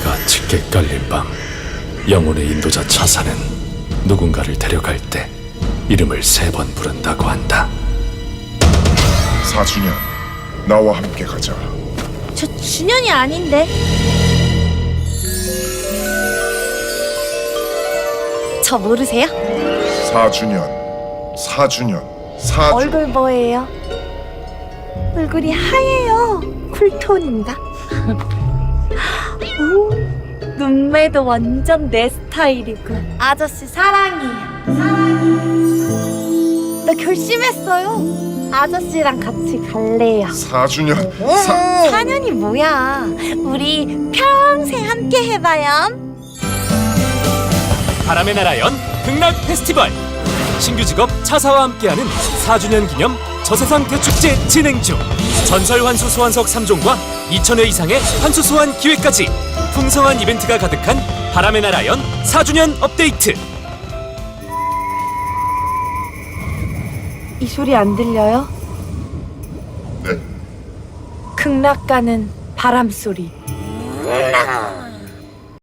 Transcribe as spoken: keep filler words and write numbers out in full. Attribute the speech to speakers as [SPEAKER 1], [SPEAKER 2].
[SPEAKER 1] 해가 짙게 깔린 밤, 영혼의 인도자 차사는 누군가를 데려갈 때 이름을 세 번 부른다고 한다.
[SPEAKER 2] 사주년, 나와 함께 가자.
[SPEAKER 3] 저 준현이 아닌데. 저 모르세요?
[SPEAKER 2] 사주년, 사주년, 사주.
[SPEAKER 3] 얼굴 뭐예요? 얼굴이 하얘요. 쿨톤인가? 오, 눈매도 완전 내 스타일이고. 아저씨 사랑해요. 사랑해요. 나 결심했어요. 아저씨랑 같이 갈래요.
[SPEAKER 2] 사주년, 사...
[SPEAKER 3] 사 년이 뭐야? 우리 평생 함께 해봐요.
[SPEAKER 4] 바람의 나라 연 극락 페스티벌, 신규 직업 차사와 함께하는 사 주년 기념 저세상 대축제 진행 중. 전설 환수 소환석 삼 종과 이천 회 이상의 환수 소환 기회까지 풍성한 이벤트가 가득한 바람의 나라 연 사 주년 업데이트.
[SPEAKER 3] 이 소리 안 들려요?
[SPEAKER 2] 네.
[SPEAKER 3] 극락 가는 바람 소리.